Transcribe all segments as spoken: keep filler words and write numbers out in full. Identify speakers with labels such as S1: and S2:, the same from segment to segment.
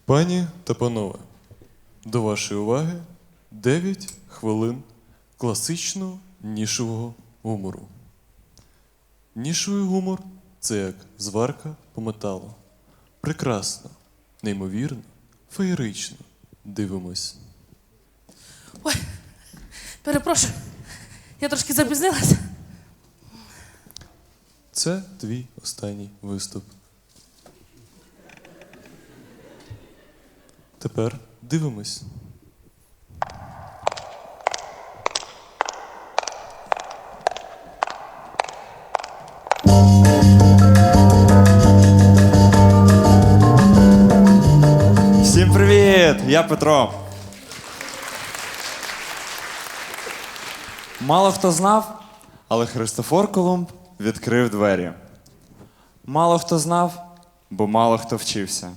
S1: Пані та панове, до вашої уваги дев'ять хвилин класичного нішового гумору. Нішовий гумор – це як зварка по металу. Прекрасно, неймовірно, феєрично. Дивимось.
S2: Ой, перепрошую, я трошки запізнилася.
S1: Це твій останній виступ. Тепер дивимось.
S3: Всім привіт! Я Петро. Мало хто знав, але Христофор Колумб відкрив двері. Мало хто знав, бо мало хто вчився.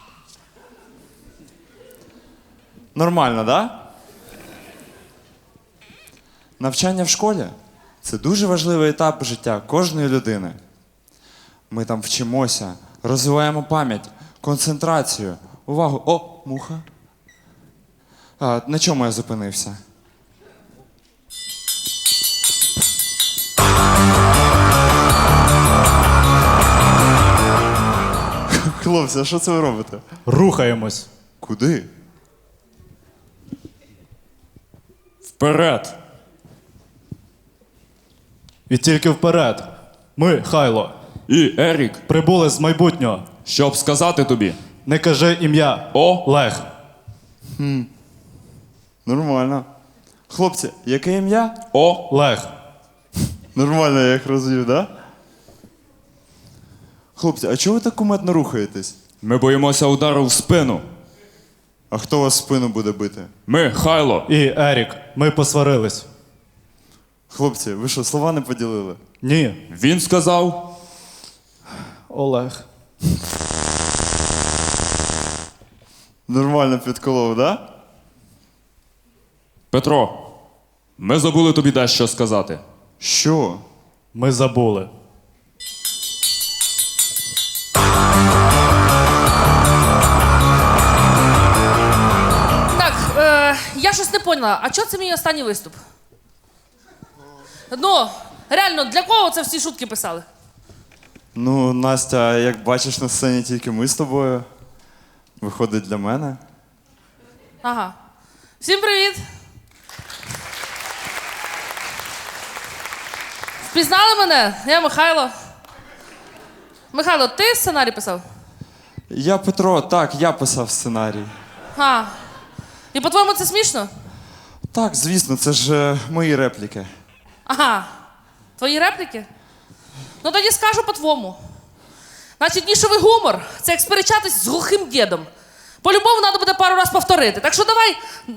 S3: Нормально, да? Навчання в школі – це дуже важливий етап життя кожної людини. Ми там вчимося, розвиваємо пам'ять, концентрацію, увагу. О, муха. А, на чому я зупинився? Хлопці, а що це ви робите?
S4: Рухаємось.
S3: Куди?
S4: Вперед. І тільки вперед. Ми, Хайло,
S5: І Ерік,
S4: прибули з майбутнього.
S5: щоб сказати тобі.
S4: Не кажи ім'я.
S5: О.
S4: Лег.
S3: Нормально. Хлопці, яке ім'я?
S5: О,
S4: Лег.
S3: Нормально, я їх розвів, да? Хлопці, а чого ви так кумедно рухаєтесь?
S5: ми боїмося удару в спину.
S3: А хто вас в спину буде бити?
S5: Ми, Хайло.
S4: І Ерік. Ми посварились.
S3: Хлопці, ви що, слова не поділили?
S4: Ні.
S5: Він сказав.
S4: Олег.
S3: Нормально підколов, да?
S5: Петро, ми забули тобі дещо сказати.
S3: Що?
S4: Ми забули.
S2: Так, е, я щось не поняла, а чого це мій останній виступ? Ну, реально, для кого це всі шутки писали?
S3: Ну, Настя, як бачиш на сцені тільки ми з тобою. Виходить для мене.
S2: Ага. Всім привіт! Впізнали мене? Я Михайло. Михайло, ти сценарій писав?
S3: Я Петро, так, я писав сценарій.
S2: А. І по-твоєму це смішно?
S3: Так, звісно, це ж е, мої репліки.
S2: Ага. Твої репліки? Ну тоді скажу по-твому. Значить, нішовий гумор – це як сперечатись з глухим дідом. По-любому треба буде пару раз повторити. Так що давай.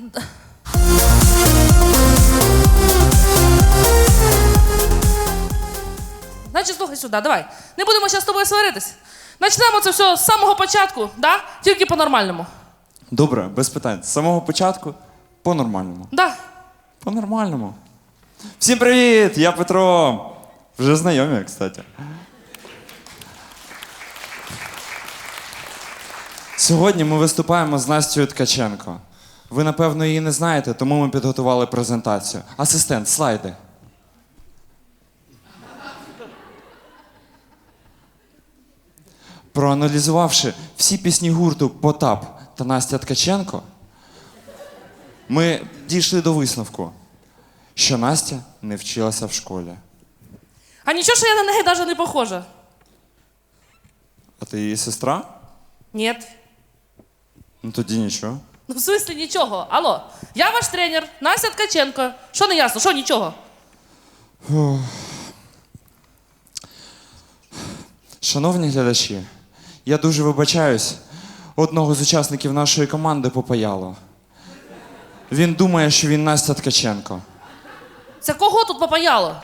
S2: Значить, слухай сюди, давай. Не будемо зараз з тобою сваритись. Почнемо це все з самого початку, да? Тільки по-нормальному.
S3: Добре, без питань. З самого початку по-нормальному.
S2: Да.
S3: По-нормальному. Всім привіт! Я Петро. Вже знайомі, кстати. Сьогодні ми виступаємо з Настею Ткаченко. Ви, напевно, її не знаєте, тому ми підготували презентацію. Асистент, слайди. Проаналізувавши всі пісні гурту «Потап» та Настя Ткаченко, ми дійшли до висновку, що Настя не вчилася в школі.
S2: А нічого, що я на неї навіть не похожа.
S3: А ти її сестра?
S2: Ні.
S3: Ну тоді нічого.
S2: Ну, в смислі нічого. Алло, я ваш тренер, Настя Ткаченко. Що не ясно? Що нічого?
S3: Шановні глядачі, я дуже вибачаюсь. Одного з учасників нашої команди попаяло. Він думає, що він Настя Ткаченко.
S2: Це кого тут попаяло?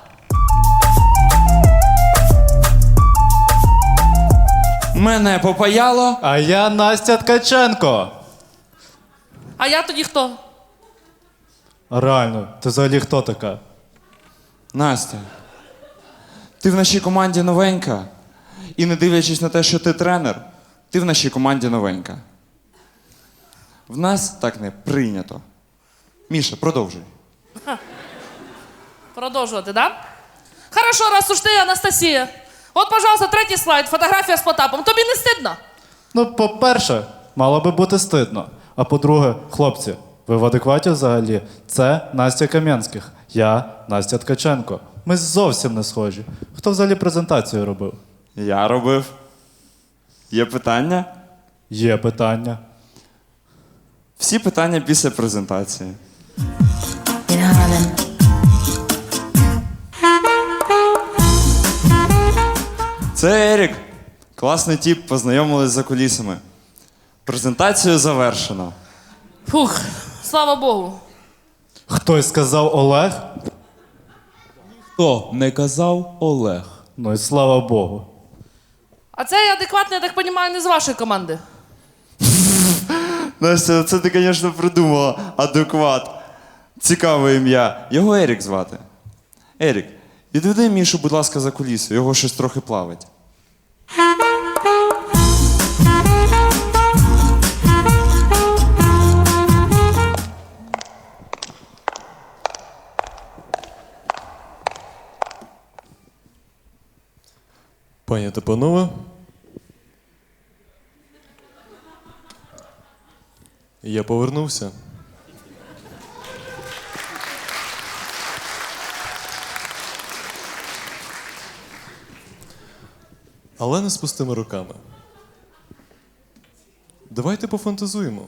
S3: Мене попаяло.
S4: А я Настя Ткаченко.
S2: А я тоді хто?
S4: Реально, ти взагалі хто така?
S3: Настя, ти в нашій команді новенька. І не дивлячись на те, що ти тренер, ти в нашій команді новенька. В нас так не прийнято. Міша, продовжуй.
S2: Продовжувати, да? Хорошо, раз уж ти, Анастасія. От, пожалуйста, третій слайд, фотографія з Потапом. Тобі не стидно?
S4: Ну, по-перше, мало би бути стидно. А по-друге, хлопці, ви в адекваті взагалі? Це Настя Кам'янських, я Настя Ткаченко. Ми зовсім не схожі. Хто взагалі презентацію робив?
S3: Я робив. Є питання?
S4: Є питання.
S3: Всі питання після презентації.
S6: in Harlem.
S3: Це Ерік. Класний тіп, познайомились за кулісами. Презентацію завершено.
S2: Фух, слава Богу.
S4: Хтось сказав Олег?
S5: Хто не казав Олег?
S4: Ну і слава Богу.
S2: А цей адекватний, я так розумію, не з вашої команди.
S3: Настя, це ти, звісно, придумала. Адекват. Цікаве ім'я. Його Ерік звати. Ерік, відведи Мішу, будь ласка, за куліси. Його щось трохи плавить.
S1: Пані та панове, я повернувся. Але не з пустими руками. Давайте пофантазуємо.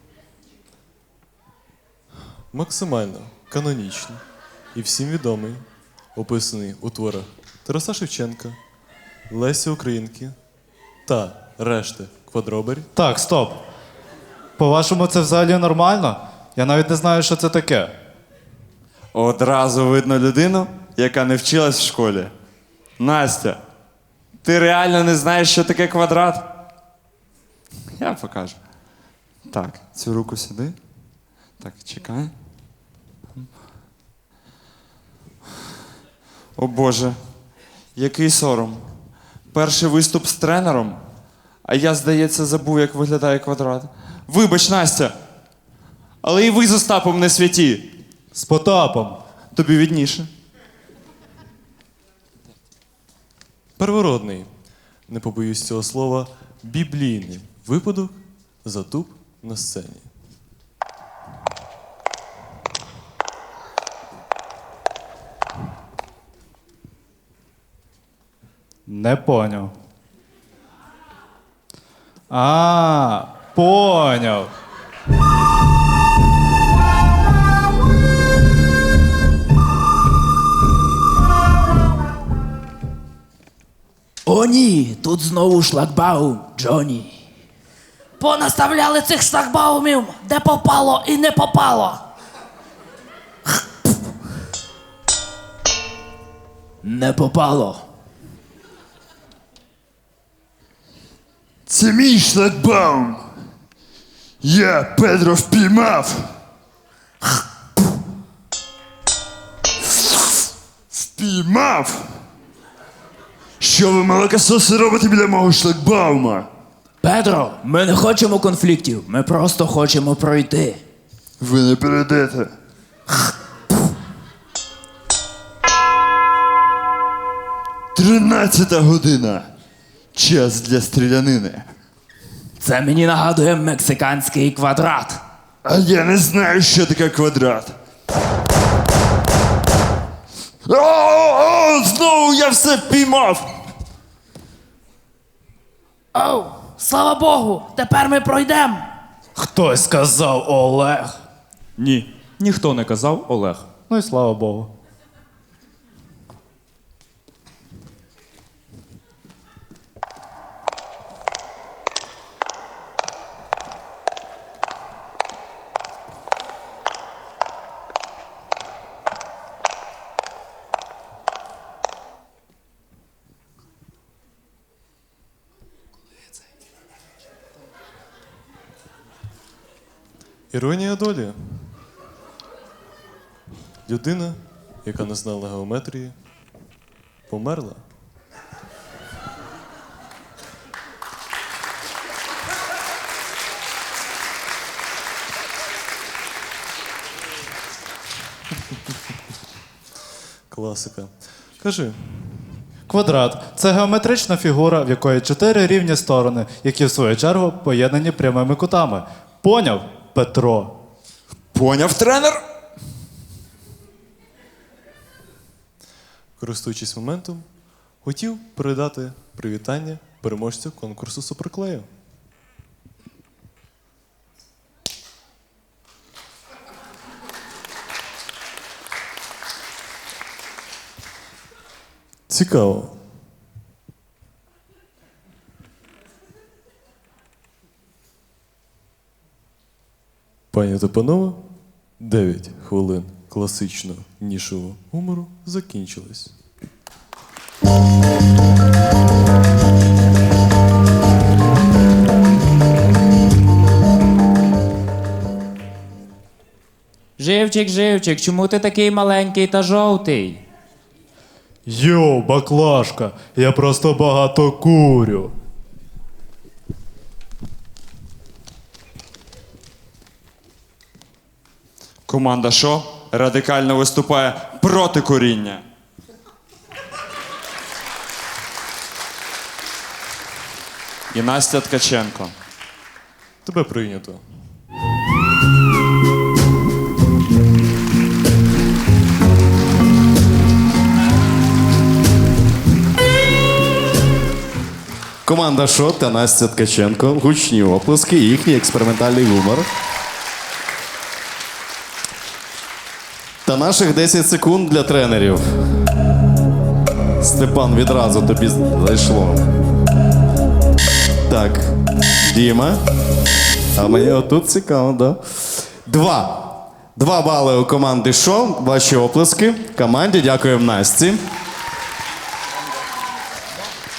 S1: Максимально канонічний і всім відомий, описаний у творах Тараса Шевченка, Лесі Українки та решти квадробері.
S4: Так, стоп. По-вашому, це взагалі нормально? Я навіть не знаю, що це таке.
S3: Одразу видно людину, яка не вчилась в школі. Настя, ти реально не знаєш, що таке квадрат? Я покажу. Так, цю руку сюди. Так, чекай. О Боже, який сором. Перший виступ з тренером, а я, здається, забув, як виглядає квадрат. Вибач, Настя, але і ви з Остапом не святі.
S4: З Потапом.
S3: Тобі відніше.
S1: Первородний, не побоюсь цього слова, біблійний випадок затуп на сцені.
S4: Не поняв. А, поняв.
S7: О ні, тут знову шлагбаум, Джоні.
S2: Понаставляли цих шлагбаумів, де попало і не попало.
S7: Не попало.
S8: Це мій шлагбаум. Я Педро впіймав. Впіймав. Що ви, молокососи, робите біля мого шлагбаума?
S7: Педро, ми не хочемо конфліктів, ми просто хочемо пройти.
S8: Ви не перейдете. Тринадцята година. Час для стрілянини.
S7: Це мені нагадує мексиканський квадрат.
S8: А я не знаю, що таке квадрат. О, знову я все впіймав.
S2: Оу, слава Богу, тепер ми пройдемо.
S4: Хтось сказав Олег.
S5: Ні, ніхто не казав Олег.
S4: Ну і слава Богу.
S1: Іронія долі. Людина, яка не знала геометрії, померла. класика. Кажи.
S4: Квадрат це геометрична фігура, в якої чотири рівні сторони, які в свою чергу поєднані прямими кутами. Поняв, Петро?
S3: Поняв, тренер?
S1: Користуючись моментом, хотів передати привітання переможцю конкурсу суперклею. Цікаво. Пані та панове, дев'ять хвилин класичного нішового гумору закінчились.
S7: Живчик, живчик, чому ти такий маленький та жовтий?
S4: Йоу, баклажка, я просто багато курю.
S3: Команда «Шо» радикально виступає проти коріння. І Настя Ткаченко.
S1: Тебе прийнято.
S9: Команда «Шо» та Настя Ткаченко. Гучні оплески, їхній експериментальний гумор. Та наших десять секунд для тренерів. Степан, відразу тобі зайшло. Так, Діма. А мені отут цікаво, да? Два. Два бали у команди «Шо». Ваші оплески. Команді дякуємо Насті.